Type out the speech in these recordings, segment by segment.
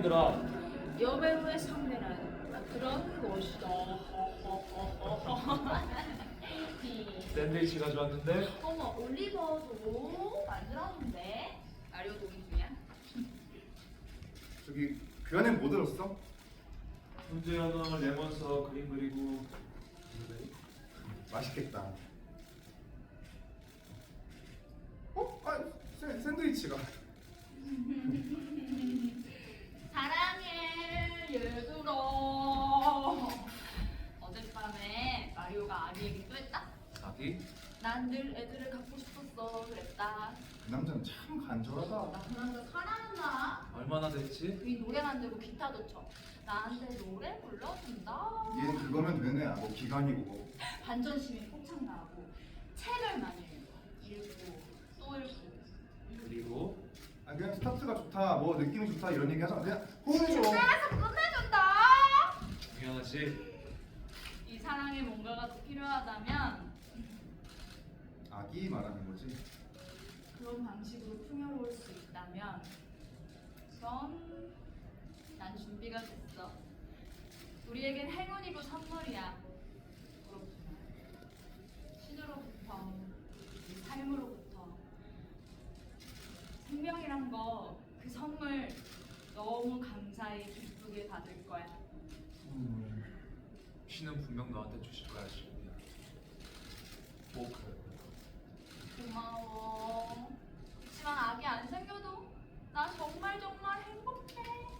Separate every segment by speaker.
Speaker 1: 힘들어.
Speaker 2: 여배우의 상대는 그런 것이다.
Speaker 1: 샌드위치 가져왔는데
Speaker 2: 어머, 올리버도 만들었는데. 마리오 동의 중이야?
Speaker 3: 저기 그 안에 뭐 들었어?
Speaker 1: 훈제 하나, 레몬 써, 그림 그리고
Speaker 3: 맛있겠다. 샌드위치가.
Speaker 2: 사랑해, 얘들아. 어젯밤에 마리오가 아기 얘기도 했다.
Speaker 1: 아기?
Speaker 2: 난 늘 애들을 갖고 싶었어 그랬다.
Speaker 3: 그 남자는 참 간절하다.
Speaker 2: 나 그 남자 사랑한다.
Speaker 1: 얼마나 됐지?
Speaker 2: 이 노래 만들고 기타도 쳐. 나한테 노래 불러준다.
Speaker 3: 얘는 그거면 되네. 뭐 기간이고.
Speaker 2: 반전심이 폭창나고 책을 많이 읽고 또 읽고.
Speaker 1: 그리고
Speaker 3: 아 그냥 스타트가 좋다. 뭐 느낌이 좋다 이런 얘기 하잖아. 그냥 호응해줘.
Speaker 2: 그래서 끝내준다.
Speaker 1: 중요하지.
Speaker 2: 이 사랑에 뭔가가 더 필요하다면
Speaker 3: 아기 말하는 거지.
Speaker 2: 그런 방식으로 풍요로울 수 있다면 그럼 난 준비가 됐어. 우리에겐 행운이고 선물이야. 그렇구나. 신으로부터, 이 삶으로부터. 생명이란 거, 그 선물 너무 감사히 기쁘게 받을 거야.
Speaker 1: 신은 분명 너한테 주실 거야, 시우야. 뭐 그래.
Speaker 2: 고마워. 그렇지만 아기 안 생겨도 나 정말 정말 행복해.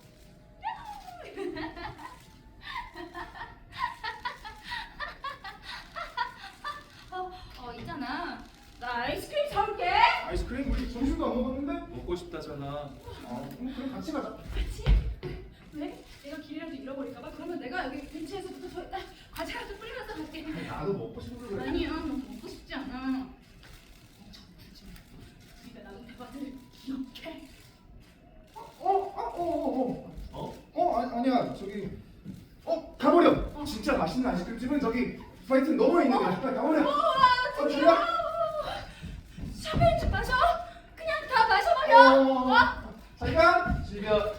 Speaker 2: 있잖아. 나 아이스크림 사올게.
Speaker 3: 아이스크림 우리 점심도 안 먹었는데?
Speaker 1: 먹고 싶다잖아.
Speaker 3: 그럼 같이 가자.
Speaker 2: 같이? 왜? 내가 길이라도 잃어버릴까봐? 그러면 내가 여기 벤치에서부터 저 과자를 좀 뿌리면서 갈게.
Speaker 3: 나도 먹고 싶어서 그래.
Speaker 2: 아니야, 너 먹고 싶지 않아. 엄청 굳이. 네가 나눈 대화를 기억해.
Speaker 3: 아니야 저기 가버려. 진짜 맛있는 아이스크림집은 저기 파이튼 너머에 있는 거야. 가버려.
Speaker 2: 드디어. 샤베인지 마셔. 그냥 다 마셔버려.
Speaker 3: 잠깐.
Speaker 1: 시우야,